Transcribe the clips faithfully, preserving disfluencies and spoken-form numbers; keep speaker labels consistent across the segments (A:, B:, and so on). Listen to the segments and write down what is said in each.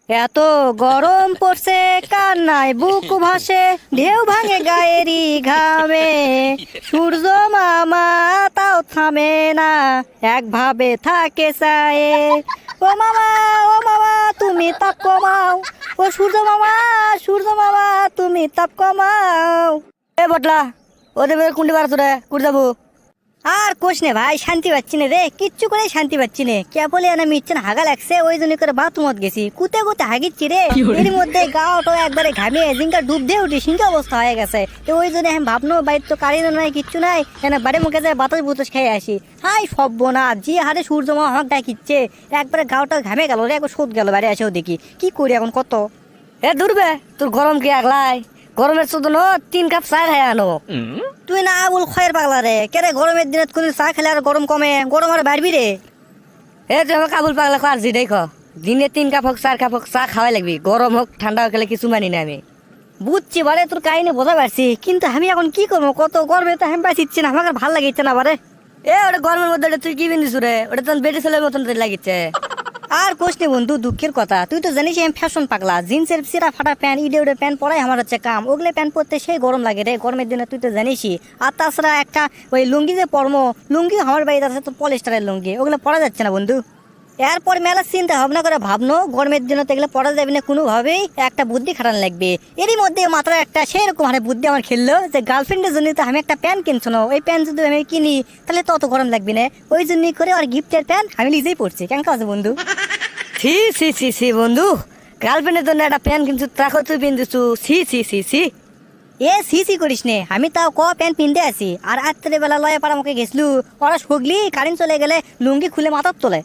A: এত গরম পড়ছে কান্নায় বুক ভাসে ঢেউ ভাঙে গায়েরই ঘামে সূর্য মামা তাও থামে না একভাবে থাকে চায়ে ও মামা ও মামা তুমি তাপ কমাও ও সূর্য মামা সূর্য মামা তুমি তাপ কমাও এ বটলা ওদের কুন্ডি বার তোরা কুড়ি যাবো আর কোষ নে ভাই শান্তি পাচ্ছি না রে কিচ্ছু করে শান্তি পাচ্ছি না কেবলই না মিচ্ছেন হাগা লাগছে ওই জন্য করে বাথরুমত গেছি কুতে কুতে হাগিচ্ছি রে এর মধ্যে গাওটো একবারে ঘামিয়ে জিঙ্কা ডুব দিয়ে উঠি সিঙ্কা অবস্থা হয়ে গেছে তো ওই জন্য আমি ভাবনো বাইর তো কারেন্ট নাই কিচ্ছু নাই কেন বাড়ি মুখে যায় বাতাস বুতাস খেয়ে আসি হাই সব্য না যে হারে সূর্য মা আমাকে ডাকিচ্ছে একবারে গাওটা ঘামে গেল রে একবার শোধ গেল বাড়ি এসেও দেখি কি করি এখন কত এ দূরবে তোর গরম কি আগলাই গরমের শুধু ন তিন কাপ চা খাই আনো তুই না আবুল খয়ের পাগলা রে কেরে গরমের দিনে কোন চা খেলে আর গরম কমে গরম আর বাড়বি রে এ তুই আমাকে আবুল পাগলা খাওয়ার জি দেখ দিনে তিন কাপ হোক চার কাপ হোক চা খাওয়াই লাগবি গরম হোক ঠান্ডা হোক খেলে কিছু মানি না আমি বুঝছি বারে তোর কাহিনী বোঝা পারছি কিন্তু আমি এখন কি করবো কত গরমে তো আমি পাইছি না আমাকে ভাল লাগিচ্ছে না বারে এ ওটা গরমের মধ্যে তুই কি বিন্দিস রে ওটা তো বেটে ছেলের মতন লাগিচ্ছে আর কোশ নে বন্ধু দুঃখের কথা তুই তো জানিস আমি ফ্যাশন পাগলা জিন্সের সিরা ফাটা প্যান্ট ইডে উডে প্যান্ট পরাই আমার হচ্ছে কাম ওগুলো প্যান্ট পরতে সেই গরম লাগে রে গরমের দিনে তুই তো জানিসই আর তাছাড়া একটা ওই লুঙ্গি যে পরমো লুঙ্গি আমার বাড়িতে আছে তো পলিস্টারের লুঙ্গি ওগুলো পরা যাচ্ছে না বন্ধু এরপর মেলা চিন্তা ভাবনা করে ভাবনো গরমের দিনে তো এগুলো পড়া যাবে না কোনোভাবেই একটা বুদ্ধি খাটানো লাগবে এরই মধ্যে মাত্র একটা সেরকম হারে বুদ্ধি আমার খেললো যে গার্লফ্রেন্ডের জন্য তো আমি একটা প্যান্ট কিনছো না ওই প্যান্ট যদি আমি কিনি তাহলে তত গরম লাগবে না ওই জন্যই করে আর গিফটের প্যান্ট আমি নিজেই পড়ছি কেমন আছে বন্ধু ছি ছি ছি ছি বন্ধু গার্লফ্রেন্ডের জন্য একটা প্যান্ট কিনছু তাকে তুই পিনতেছু ছি ছি ছি ছি এ সি সি করিস নে আমি তাও ক প্যান্ট পিনতে আছি আর রাত্রে বেলা লয়ে পাড়া মুখে গেছলু ওরা সগলি কারেন্ট চলে গেলে লুঙ্গি খুলে মাথার তোলে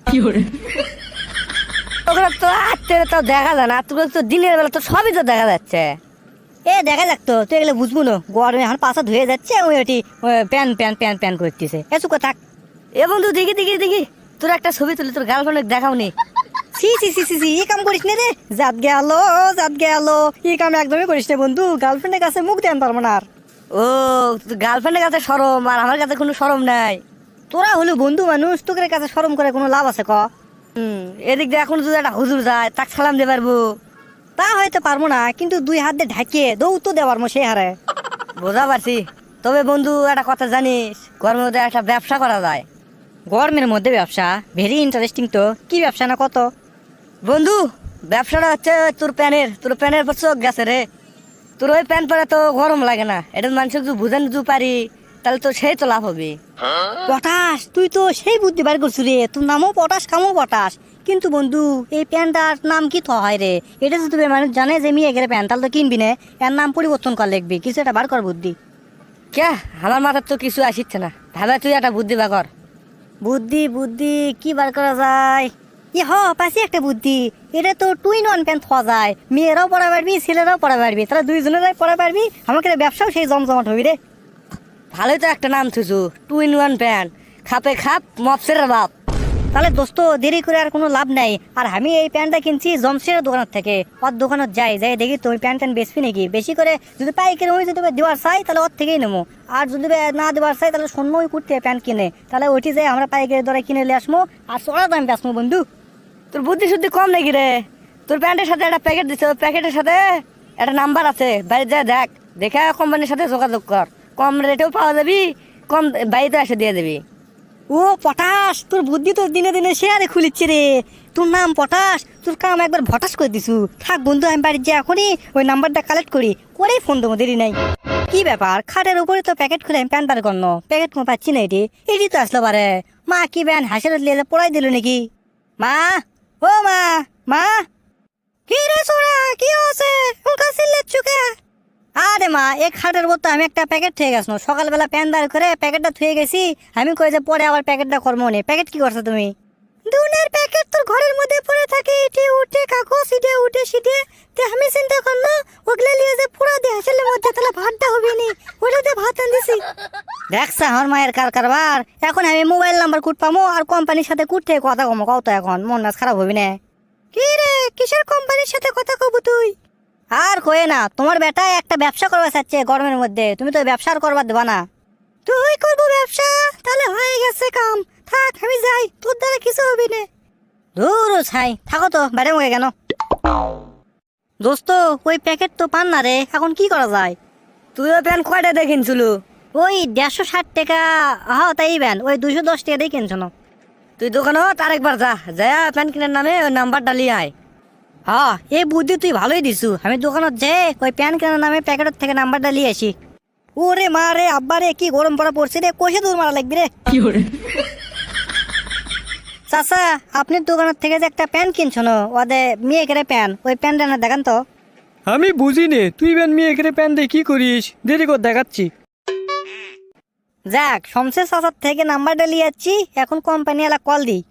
A: ওগুলো তো রাত্রে তো দেখা যায় না তোগুলো তো দিনের বেলা তো সবই তো দেখা যাচ্ছে এ দেখা যাক তো তুই এগুলো বুঝবো না গরমে এখন পাশা ধুয়ে যাচ্ছে ওই ওটি প্যান্ট প্যান্ট প্যান্ট প্যান্ট করতেছে এ চুকো থাক এ বন্ধু দেখি দেখি দেখি তোর একটা ছবি তুলি তোর গার্লফ্রেন্ড দেখাও নি সি সি সি সি সি এই কাম করিস না রে জাত গেল জাত গেল এই কাম একদমই করিস না বন্ধু গার্লফ্রেন্ডের কাছে মুখ দেন পারবো না আর ও গার্লফ্রেন্ডের কাছে শরম আর আমার কাছে কোনো শরম নাই তোরা হলো বন্ধু মানুষ তোদের কাছে শরম করে কোনো লাভ আছে ক হুম এদিক দিয়ে এখন যদি একটা হুজুর যায় তাক সালাম দিয়ে পারবো তা হয়তো পারবো না কিন্তু দুই হাত দিয়ে ঢাকিয়ে দৌ তো দেওয়ার মো সেই হারে বোঝা পারছি তবে বন্ধু একটা কথা জানিস গরমের মধ্যে একটা ব্যবসা করা যায় গরমের মধ্যে ব্যবসা ভেরি ইন্টারেস্টিং তো কি ব্যবসা না কত বন্ধু ব্যবসাটা হচ্ছে তোর প্যানের তোর প্যানের পর চোখ গেছে রে তোর ওই প্যান্ট পরে তো গরম লাগে না এটা মানুষের যদি বুঝান যদি পারি তাহলে তো সেই তো লাভ হবে পটাশ তুই তো সেই বুদ্ধি বার করছিস রে তোর নামও পটাশ কামও পটাশ কিন্তু বন্ধু এই প্যান্টটার নাম কি তো হয় রে এটা যদি মানুষ জানে যে মেয়ে গেলে প্যান্ট তাহলে তো কিনবি না এর নাম পরিবর্তন কর লিখবি কিছু একটা বার কর বুদ্ধি কে আমার মাথার তো কিছু আসিচ্ছে না ভাবে তুই একটা বুদ্ধি বার কর বুদ্ধি বুদ্ধি কি বার করা যায় ই হ পাশে একটা বুদ্ধি এটা তো টুইন ওয়ান প্যান্ট পাওয়া যায় মেয়েরাও পড়া পারবি ছেলেরাও পড়া পারবি তারা দুইজনেরাই পড়া পারবি আমাকে ব্যবসাও সেই জমজমাট হবি রে ভালোই তো একটা নাম থুছু টুইন ওয়ান প্যান্ট খাপে খাপ মপসের বাপ তাহলে দোস্ত দেরি করে আর কোনো লাভ নাই আর আমি এই প্যান্টটা কিনছি জমশেরের দোকানের থেকে ওর দোকানত যাই যাই দেখি তুমি প্যান্ট ট্যান্ট বেচবি নাকি বেশি করে যদি পাইকারি ওই যদি দেওয়ার চাই তাহলে ওর থেকেই নেবো আর যদি না দেওয়ার চাই তাহলে শূন্য ওই কুর্তি প্যান্ট কিনে তাহলে ওইটি যাই আমরা পাইকারি দরে কিনে নিয়ে আসবো আর চড়া দাম বেচবো বন্ধু তোর বুদ্ধি শুদ্ধি কম নাকি রে তোর প্যান্টের সাথে একটা প্যাকেট দিচ্ছে ওই প্যাকেটের সাথে একটা নাম্বার আছে বাড়িতে যা দেখ দেখে কোম্পানির সাথে যোগাযোগ কর কম রেটেও পাওয়া যাবি কম বাড়িতে এসে দিয়ে দিবি ও পটাশ তোর বুদ্ধি তো দিনে দিনে শেয়ারে খুলিচ্ছে রে তোর নাম পটাশ তোর কাম একবার ভটাস করে দিছু থাক বন্ধু আমি বাড়ির যে এখনই ওই নাম্বারটা কালেক্ট করি করেই ফোন দেবো দেরি নাই কি ব্যাপার খাটের উপরে তো প্যাকেট খুলে আমি প্যান্ট বার করল প্যাকেট কোনো পাচ্ছি না এটি এটি তো আসলো পারে মা কি ব্যান হাসের লিয়ে পড়াই দিল নাকি মা ও মা মা কি রে সোনা কি আছে ওকা সিলেট চুকে আরে মা এক খাটের উপর তো আমি একটা প্যাকেট থুয়ে গেছো সকালবেলা প্যান বার করে প্যাকেটটা থুয়ে গেছি আমি কই যে পরে আবার প্যাকেটটা করবো নে প্যাকেট কি করছো তুমি দুনের প্যাকেট তোর ঘরের মধ্যে পড়ে থাকে ইটে উঠে কাগজ ইটে উঠে সিটে তে আমি চিন্তা করলো ওগুলা লিয়ে যে পুরো দিয়ে আসলে মধ্যে তাহলে ভাতটা হবে নি ওটাতে ভাত আনদিছি দেখছা আমার মায়ের কার কারবার এখন আমি মোবাইল নাম্বার কুট পামো আর কোম্পানির সাথে কুটতে কথা কমো কত এখন মন নাচ খারাপ হবি না কি রে কিসের কোম্পানির সাথে কথা কব তুই আর কয়ে না তোমার বেটা একটা ব্যবসা করবা চাচ্ছে গরমের মধ্যে তুমি তো ব্যবসা আর করবার দেবা না তুই করবো ব্যবসা তাহলে হয়ে গেছে কাম থাক আমি যাই তোর দ্বারা কিছু হবি না দূর ছাই থাকো তো বাইরে মুখে কেন দোস্ত ওই প্যাকেট তো পান না রে, এখন কি করা যায়? তুইও প্যান কয়টা দিয়ে কিনছিল? ওই দেড়শো ষাট টাকা। হ্যাঁ তাই প্যান ওই দুশো দশ টাকা দিয়ে কিনছ না। তুই দোকানে আরেকবার যা যা প্যান কেনার নামে ওই নাম্বার ডালিয়ে আয়। হ্যাঁ এই বুদ্ধি তুই ভালোই দিছু। আমি দোকানত যে ওই প্যান কেনার নামে প্যাকেটের থেকে নাম্বার ডালিয়ে আসি। ওরে মা রে আব্বা রে, কি গরম পড়া পড়ছে রে, কষে দূর মারা লাগবে রে। চাচা আপনি দোকানের থেকে যে একটা প্যান কিনছো না, ওদের মেয়ে কেড়ে প্যান, ওই প্যানটা না দেখান তো।
B: আমি বুঝি নে, তুই ব্যান মেয়ে এখানে প্যান দিয়ে কি করিস? দেরি কর দেখাচ্ছি।
A: যাক শমশের চাচার থেকে নাম্বারটা নিয়ে যাচ্ছি, এখন কোম্পানি এলা কল দিই।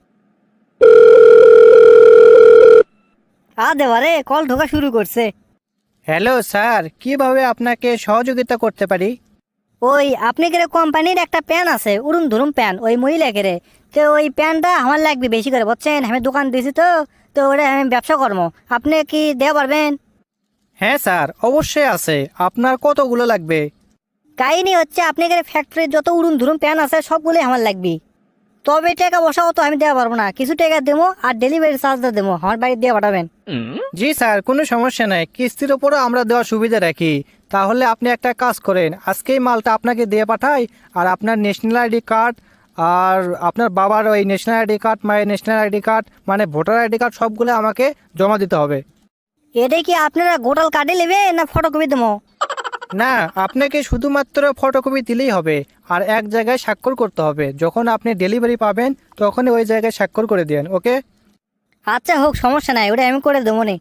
A: আ দেবারে কল ঢোকা শুরু করছে।
C: হ্যালো স্যার, কিভাবে আপনাকে সহযোগিতা করতে পারি?
A: ওই আপনি কেরে কোম্পানির একটা প্যান আছে উড়ুম ধুরুম প্যান, ওই মহিলা কেরে, তো ওই প্যানটা আমার লাগবে বেশি করে, বুঝছেন? আমি দোকান দিয়েছি তো তো ওটা আমি ব্যবসা করবো, আপনি কি দেওয়া পারবেন?
C: হ্যাঁ স্যার, অবশ্যই আছে। আপনার কতগুলো লাগবে?
A: কাহিনী হচ্ছে আপনি এখানে ফ্যাক্টরির যত উড়ুম ধুরুম প্যান আছে সবগুলোই আমার লাগবে। তবে টাকা বসাও তো আমি দেওয়া পারবো না, কিছু টাকা দেবো আর ডেলিভারি চার্জটা দেবো, আমার বাড়ি দিয়ে পাঠাবেন।
C: জি স্যার, কোনো সমস্যা নাই, কিস্তির ওপরও আমরা দেওয়ার সুবিধা রাখি। তাহলে আপনি একটা কাজ করেন, আজকেই মালটা আপনাকে দিয়ে পাঠাই, আর আপনার ন্যাশনাল আইডি কার্ড আর আপনার বাবার ওই ন্যাশনাল আইডি কার্ড, মায়ের ন্যাশনাল আইডি কার্ড, মানে ভোটার আইডি কার্ড সবগুলো আমাকে জমা দিতে হবে।
A: এটা কি আপনারা গোটাল কার্ডে নেবে না ফটোকপি দেবো?
C: না, আপনাকে শুধুমাত্র ফটোকপি দিলেই হবে, আর এক জায়গায় স্বাক্ষর করতে হবে। যখন আপনি ডেলিভারি পাবেন তখনই ওই জায়গায় স্বাক্ষর করে দেন, ওকে?
A: আচ্ছা হোক, সমস্যা নাই, ওটা আমি করে দেবো নি।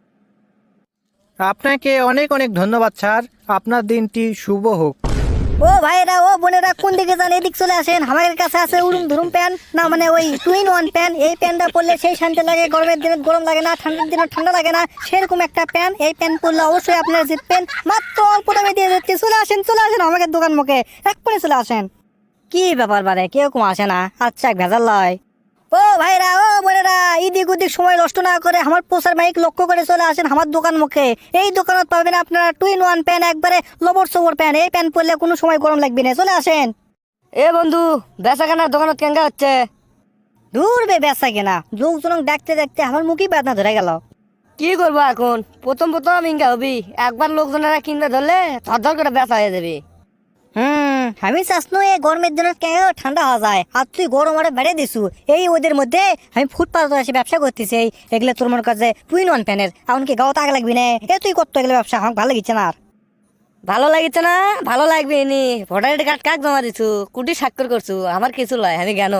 C: আপনাকে অনেক অনেক ধন্যবাদ স্যার, আপনার দিনটি শুভ হোক।
A: ও ভাইরা ও বোনেরা কোন দিকে যান, এদিক চলে আসেন। আমার কাছে আছে উড়ুম ধুরুম প্যান, না মানে ওই টু ইন ওয়ান প্যান। এই প্যানটা পরলে সেই শান্তি লাগে, গরমের দিনে গরম লাগে না, ঠান্ডার দিনে ঠান্ডা লাগে না, সেরকম একটা প্যান। এই প্যান পরলে অবশ্যই আপনারা জিতবেন, মাত্র অল্প দামে দিয়ে যাচ্ছি। চলে আসেন চলে আসেন আমাকে দোকান মুখে, এক করে চলে আসেন। কি ব্যাপার বারে কেউ কম আসে না? আচ্ছা ভেজাল লয়। ও ভাইরা ও বোনেরা, ইদিক উদিক সময় নষ্ট না করে আমার পোস্টার মাইক লক্ষ্য করে চলে আসেন আমার দোকান মুখে। এই দোকানত পাবেন আপনারা টু ইন ওয়ান প্যান, একবারে লবর সবর প্যান। এই প্যান পরলে কোনো সময় গরম লাগবে না, চলে আসেন। এ বন্ধু বেচা কেনার দোকানত কেঙ্গা হচ্ছে? দূর বে বেচা কেনা, লোকজন ডাকতে ডাকতে আমার মুখই বেদনা ধরে গেল। কি করবো এখন, প্রথম প্রথম ইঙ্গা হবি, একবার লোকজনেরা কিনতে ধরলে ধর ধর করে বেচা হয়ে যাবে। হুম আমি চাষনো এই গরমের দিনে কেন ঠান্ডা হওয়া যায়, আর তুই গরম আরে বেড়ে দিছু। এই ওদের মধ্যে আমি ফুটপাথ এসে ব্যবসা করতেছি, এই এগুলো তোর মনে কাছে টু ইন ওয়ান প্যানের, এমনকি গাও তাক লাগবি না। এ তুই করতো এগুলো ব্যবসা, আমার ভালো লাগছে না। আর ভালো লাগিছে না? ভালো লাগবে নি। ভোটার আইডি কার্ড কাক জমা দিছু, কুটি স্বাক্ষর করছু, আমার কিছু লয়, আমি কেন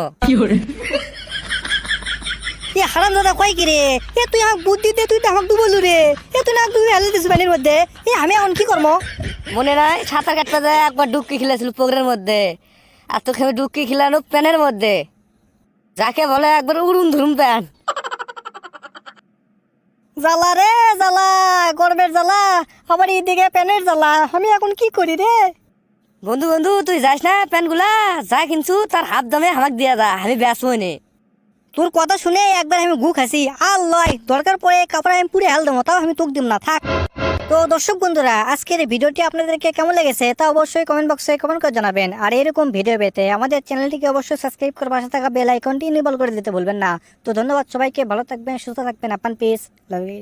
A: এ হারাম দাদা কয় কি রে? এ তুই আমাকে বুদ্ধি দে, তুই তো আমাকে ডুবলু রে। এ তুই না তুই হেলে দিস পানির মধ্যে, এ আমি এখন কি করবো? মনে নাই সাঁতার কাটতে যায় একবার ডুবকি খেলেছিল পুকুরের মধ্যে, আর তোকে আমি ডুবকি খেলানো প্যানের মধ্যে, যাকে বলে একবার উড়ুম ধুরুম প্যান। জ্বালা রে জ্বালা, গরমের জ্বালা, আবার এইদিকে প্যানের জ্বালা, আমি এখন কি করি রে? বন্ধু বন্ধু তুই যাস না, প্যানগুলা যা কিনছু তার হাত দামে আমাকে দিয়া যা, আমি বেচবো নে। তোর কথা শুনে একবার আমি গু খাসি, আর লয় দরকার পড়ে কাপড় আমি পুরে হেল দেবো, তাও আমি তোক দিব না, থাক। তো দর্শক বন্ধুরা, আজকের এই ভিডিওটি আপনাদেরকে কেমন লেগেছে তা অবশ্যই কমেন্ট বক্সে কমেন্ট করে জানাবেন। আর এরকম ভিডিও পেতে আমাদের চ্যানেলটিকে অবশ্যই সাবস্ক্রাইব করে পাশে থাকা বেল আইকনটি ইনেবল করে দিতে ভুলবেন না। তো ধন্যবাদ সবাইকে, ভালো থাকবেন, সুস্থ থাকবেন, আপান পিস, লাভ ইউ।